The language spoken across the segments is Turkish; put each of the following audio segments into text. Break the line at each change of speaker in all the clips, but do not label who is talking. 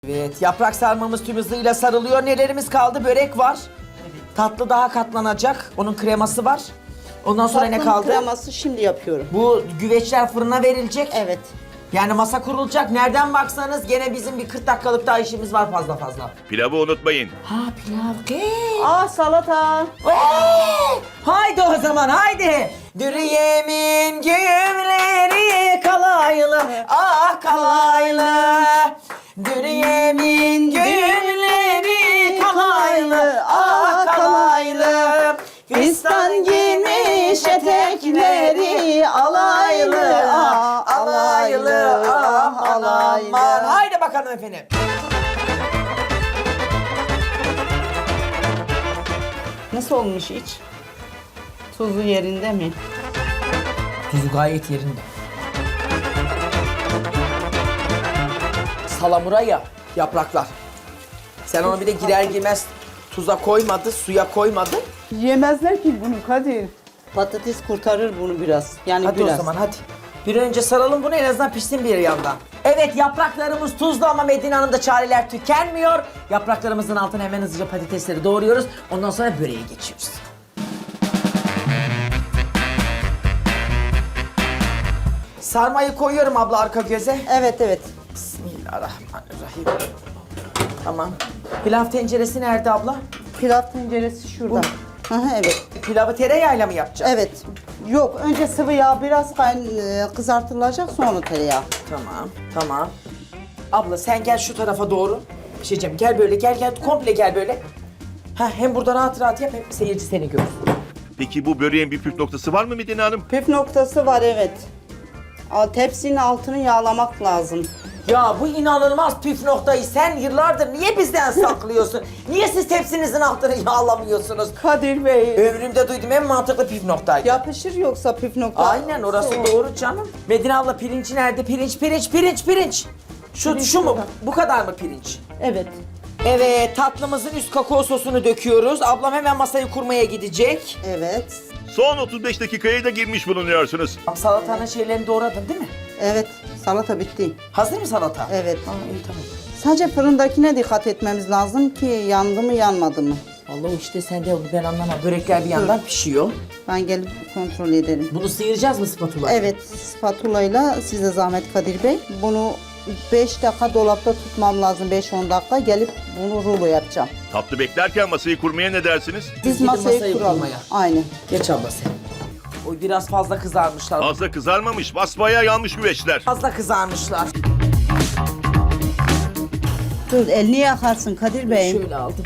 Evet, yaprak sarmamız tüm hızıyla sarılıyor. Nelerimiz kaldı? Börek var. Tatlı daha katlanacak. Onun kreması var. Ondan sonra ne
Tatlının
kaldı?
kreması şimdi yapıyorum.
Bu güveçler fırına verilecek.
Evet.
Yani masa kurulacak. Nereden baksanız gene bizim bir 40 dakikalık daha işimiz var fazla.
Pilavı unutmayın.
Ha pilav.
Salata.
Haydi o zaman haydi. Dürüyemin güğümleri kalaylı. Ah kalaylı. Dürüyemin güğümleri kalaylı. Ah kalaylı.
Fistan giymiş etekleri alaylı. Ah alaylı. Ah alaylı.
Haydi bakalım efendim.
Nasıl olmuş iç? Tuzu yerinde mi?
Tuzu gayet yerinde. Salamura ya yapraklar. Sen onu bir de girer girmez tuza koymadı, suya koymadın.
Yemezler ki bunu Kadir. Patates kurtarır bunu biraz. Yani
Hadi
biraz.
o zaman hadi. Bir an önce saralım bunu en azından pişsin bir yandan. Evet yapraklarımız tuzlu ama Medine Hanım'da çareler tükenmiyor. Yapraklarımızın altına hemen hızlıca patatesleri doğruyoruz. Ondan sonra böreğe geçiyoruz. Sarmayı koyuyorum abla arka göze.
Evet.
Bismillahirrahmanirrahim. Tamam. Pilav tenceresi nerede abla?
Pilav tenceresi şurada. Evet.
Pilavı tereyağıyla mı yapacağım?
Evet. Yok önce sıvı yağ biraz kızartılacak sonra tereyağı.
Tamam. Abla sen gel şu tarafa doğru. Bir şey diyeceğim. Gel böyle gel komple gel böyle. Hem burada rahat yap hem seyirci seni görsün.
Peki bu böreğin bir püf noktası var mı Medine Hanım?
Püf noktası var evet. Tepsinin altını yağlamak lazım.
Ya bu inanılmaz püf noktayı sen yıllardır niye bizden saklıyorsun? Niye siz tepsinizin altını yağlamıyorsunuz?
Kadir Bey.
Ömrümde duydum en mantıklı püf noktaydı.
Yapışır yoksa püf nokta.
Aynen orası doğru canım. Medine abla pirinci nerede? Pirinç. Şu mu? Bu kadar mı pirinç?
Evet.
Evet tatlımızın üst kakao sosunu döküyoruz. Ablam hemen masayı kurmaya gidecek.
Evet.
Son 35 dakikaya da girmiş bulunuyorsunuz.
Salatanın şeylerini doğradın değil mi?
Evet. Salata bitti.
Hazır mı salata?
Evet.
İyi tamam.
Sadece fırındakine dikkat etmemiz lazım ki yandı mı yanmadı mı.
Allah işte sende onu ben anlamam. Börekler bir yandan pişiyor.
Ben gelip kontrol ederim.
Bunu sıyıracağız mı spatula?
Evet. Spatulayla size zahmet Kadir Bey. Bunu 5 dakika dolapta tutmam lazım. 5-10 dakika gelip bunu rulo yapacağım.
Tatlı beklerken masayı kurmaya ne dersiniz?
Biz
gidin
masayı
masayı
kuralım.
kurmaya.
Aynen.
Geç abla sen. Oy biraz fazla kızarmışlar.
Fazla kızarmamış, basbayağı yanmış güveçler.
Fazla kızarmışlar.
Dur elini yakarsın Kadir Bey.
Şöyle aldım.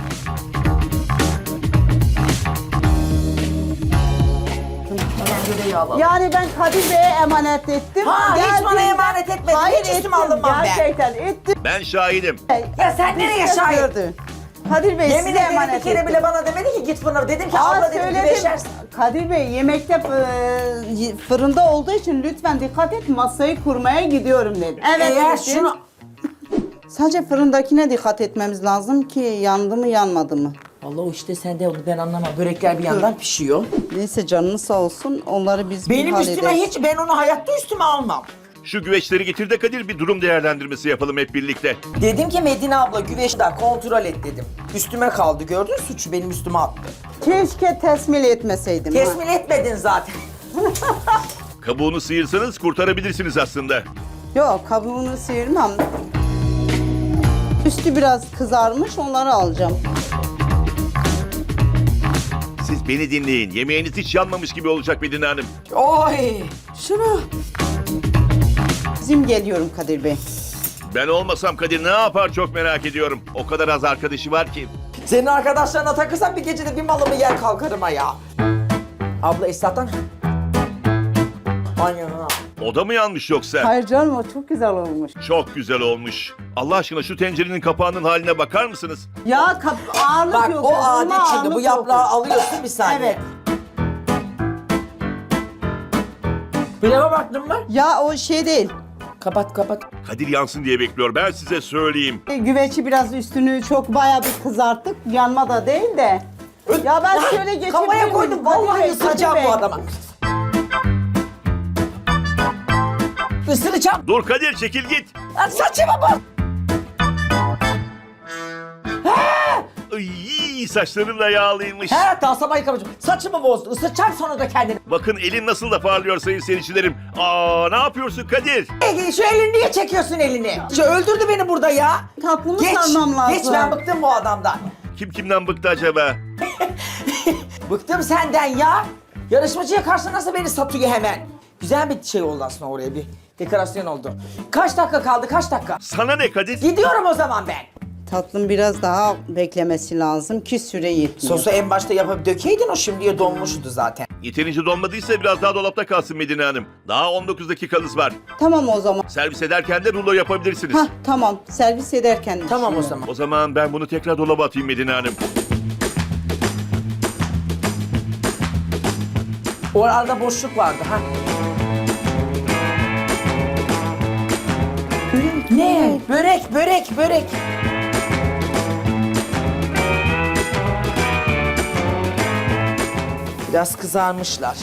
Tamam böyle yağladım.
Yani ben Kadir Bey'e emanet ettim.
Ha, hiç bana
Geldiğinde-
emanet etmedin.
Hayır,
Hiç üstüme
ettim.
alınmam ben.
Gerçekten ettim.
Ben şahidim.
Ya sen nereye şahit?
Gördü. Kadir Bey
Yemin
size
ederim bir
emanet
kere
ettim.
bile bana demedi ki git fırına. Dedim ki
Aa,
abla dedim
söyledim.
güveçersin.
Kadir Bey yemekte fırında olduğu için lütfen dikkat et masayı kurmaya gidiyorum dedim. Evet.
Eğer
dedim.
şunu...
Sadece fırındakine dikkat etmemiz lazım ki yandı mı yanmadı mı.
Allah o işte sende onu ben anlamam. Börekler bir yandan pişiyor.
Neyse canınız sağ olsun onları biz bir
Benim üstüme
hallederiz.
hiç ben onu hayatta üstüme almam.
Şu güveçleri getir de Kadir bir durum değerlendirmesi yapalım hep birlikte.
Dedim ki Medine abla güveçler kontrol et dedim. Üstüme kaldı gördün suçu benim üstüme attı.
Keşke tesmil etmeseydim. ha.
Tesmin etmedin zaten.
Kabuğunu sıyırsanız kurtarabilirsiniz aslında.
Yok kabuğunu sıyırmam. Üstü biraz kızarmış onları alacağım.
Siz beni dinleyin. Yemeğiniz hiç yanmamış gibi olacak Medine Hanım.
Oy şunu.
Bizim geliyorum Kadir Bey.
Ben olmasam Kadir ne yapar çok merak ediyorum. O kadar az arkadaşı var ki.
Senin arkadaşlarına takılsam bir gecede bir malımı yer kalkarım ha ya. Abla Esat'tan. Aynen ha.
O da mı yanmış yoksa?
Hayır canım o çok güzel olmuş.
Çok güzel olmuş. Allah aşkına şu tencerenin kapağının haline bakar mısınız?
Ya ağırlık
Bak
yok.
o
bunda
adet şimdi
ağırlık
bu
yok.
yaprağı alıyorsun bir saniye.
Evet.
Pilava baktın mı?
Ya o şey değil.
Kapat.
Kadir yansın diye bekliyor. Ben size söyleyeyim.
Güveçi biraz üstünü çok bayağı bir kızarttık. Yanma da değil de. Ya ben şöyle geçebilir
Kafaya
miyim?
koydum
Kadir
vallahi
Bey,
ısıracağım
Kadir
bu
Bey.
adama. Isıracağım.
Dur Kadir çekil git.
Lan saçıma bak.
Ay saçların da yağlıymış.
He daha sabah yıkamışım. Saçımı bozdu. Isıtacağım sonra da kendini.
Bakın elin nasıl da parlıyor sayın seyircilerim. Aa ne yapıyorsun Kadir?
Şu elini niye çekiyorsun elini? Öldürdü beni burada ya.
Tatlımı sarmam lazım.
Geç ben bıktım bu adamdan.
Kim kimden bıktı acaba?
Bıktım senden ya. Yarışmacıya karşı nasıl beni satıyor hemen. Güzel bir şey oldu aslında oraya bir dekorasyon oldu. Kaç dakika kaldı kaç dakika?
Sana ne Kadir?
Gidiyorum o zaman ben.
Tatlım biraz daha beklemesi lazım ki süre yetmiyor.
Sosu en başta yapıp dökeydin o şimdiye donmuştu zaten.
Yeterince donmadıysa biraz daha dolapta kalsın Medine Hanım. Daha 19 dakikanız var.
Tamam o zaman.
Servis ederken de rulo yapabilirsiniz.
Hah tamam servis ederken.
Tamam o
düşünüyorum.
zaman.
O zaman ben bunu tekrar dolaba atayım Medine Hanım.
O arada boşluk vardı ha. Ne? Börek. Biraz kızarmışlar.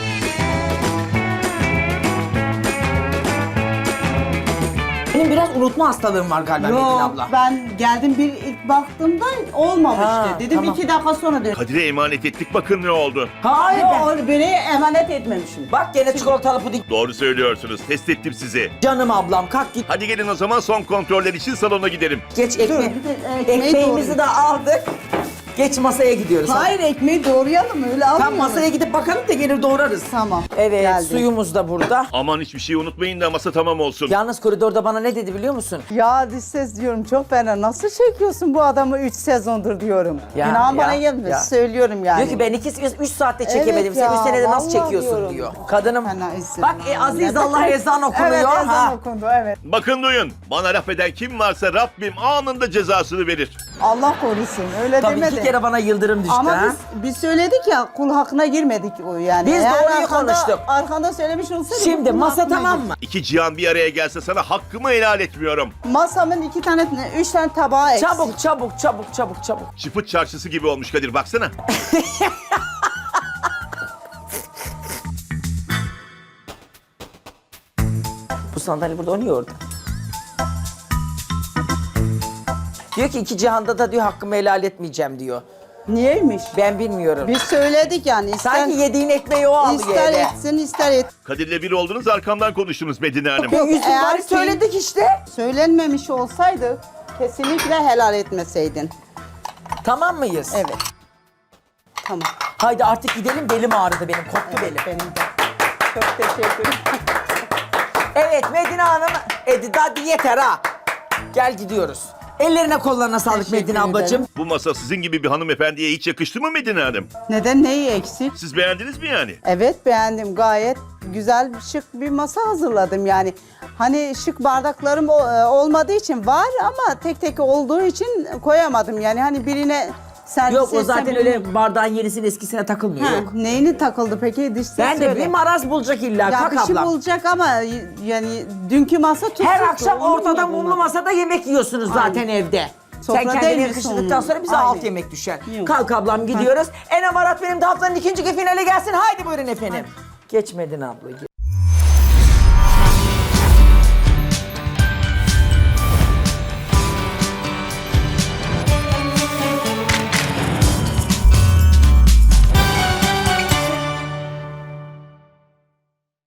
Benim biraz unutma hastalığım var galiba Metin
Yok
abla.
ben geldim bir ilk baktığımda olmamıştı.
Ha,
Dedim
tamam.
2 dakika sonra dön.
Kadir'e emanet ettik bakın ne oldu.
Hayır
Yok
ben.
onu böreği emanet etmemişim.
Bak gene çikolatalı puding.
Doğru söylüyorsunuz. Test ettim sizi.
Canım ablam kalk git.
Hadi gelin o zaman son kontroller için salona gidelim.
Geç ekmeği.
bir de ekmeği
Ekmeğimizi
doğru.
de aldık. Geç masaya gidiyoruz.
Hayır ekmeği doğrayalım öyle
Tam
almıyoruz.
masaya gidip bakalım da gelir doğrarız.
Tamam.
Evet
geldi.
suyumuz da burada.
Aman hiçbir şey unutmayın da masa tamam olsun.
Yalnız koridorda bana ne dedi biliyor musun?
Ya dış ses diyorum çok fena. Nasıl çekiyorsun bu adamı 3 sezondur diyorum.
Ya,
İnan bana
ya,
gelmiyor.
ya.
Söylüyorum yani.
Diyor ki ben 3 saatte çekemedim.
Evet
Sen 3
ya,
senede nasıl
vallahi
çekiyorsun
diyorum.
diyor. Kadınım.
Fena izin.
Bak Aziz Allah ezan okunuyor.
Evet ezan
ha.
okundu evet.
Bakın duyun. Bana laf eden kim varsa Rabbim anında cezasını verir.
Allah korusun öyle
Tabii
demedi.
2 kere bana yıldırım düştü
Ama
ha.
biz söyledik ya kul hakkına girmedik o yani.
Biz
Eğer
doğruyu konuştuk.
Arkanda söylemiş olsaydık.
Şimdi
kul
masa
hakkına
tamam
gir.
mı?
İki cihan bir araya gelse sana hakkımı helal etmiyorum.
Masamın 3 tane tabağı eksik.
Çabuk.
Çıpıt çarşısı gibi olmuş Kadir baksana.
Bu sandalye burada oynuyor orada. Diyor ki 2 cihanda da diyor hakkımı helal etmeyeceğim diyor.
Niyeymiş?
Ben bilmiyorum.
Biz söyledik yani.
Sanki yediğin ekmeği o alıyor
ister
eve.
etsin ister et.
Kadir'le bir oldunuz arkamdan konuştunuz Medine Hanım.
Yok,
Yüzün
eğer
bari
ki-
söyledik işte.
Söylenmemiş olsaydı kesinlikle helal etmeseydin.
Tamam mıyız?
Evet. Tamam.
Haydi artık gidelim belim ağrıdı benim koptu belim.
Benim de. Çok teşekkür ederim.
Evet Medine Hanım, hadi yeter ha. Gel gidiyoruz. Ellerine kollarına sağlık
Teşekkür
Medine ablacığım.
ederim.
Bu masa sizin gibi bir hanımefendiye hiç yakıştı mı Medine Hanım?
Neden neyi eksik?
Siz beğendiniz mi yani?
Evet beğendim gayet güzel şık bir masa hazırladım yani. Hani şık bardaklarım olmadığı için var ama tek tek olduğu için koyamadım yani hani birine servis
Yok o
etsem
zaten
birine-
öyle bardağın yenisinin eskisine takılmıyor
Ha,
yok.
neyini takıldı peki dış ses
Ben de
söyle.
bir maraz bulacak illa
Ya
kalk
bir şey
ablam.
bulacak ama yani dünkü masa tutsuzdu.
Her akşam
onu
ortada
da
mumlu
bulmadım.
masada yemek yiyorsunuz zaten evde.
Sofra
Sen
değil
kendini
mi
yakıştırdıktan
sonunda?
sonra bize
Aynen.
alt yemek düşer.
Yok.
Kalk ablam gidiyoruz. Enem Arat benim de haftanın 2. finale gelsin. Haydi buyurun efendim. Geçmedin abla.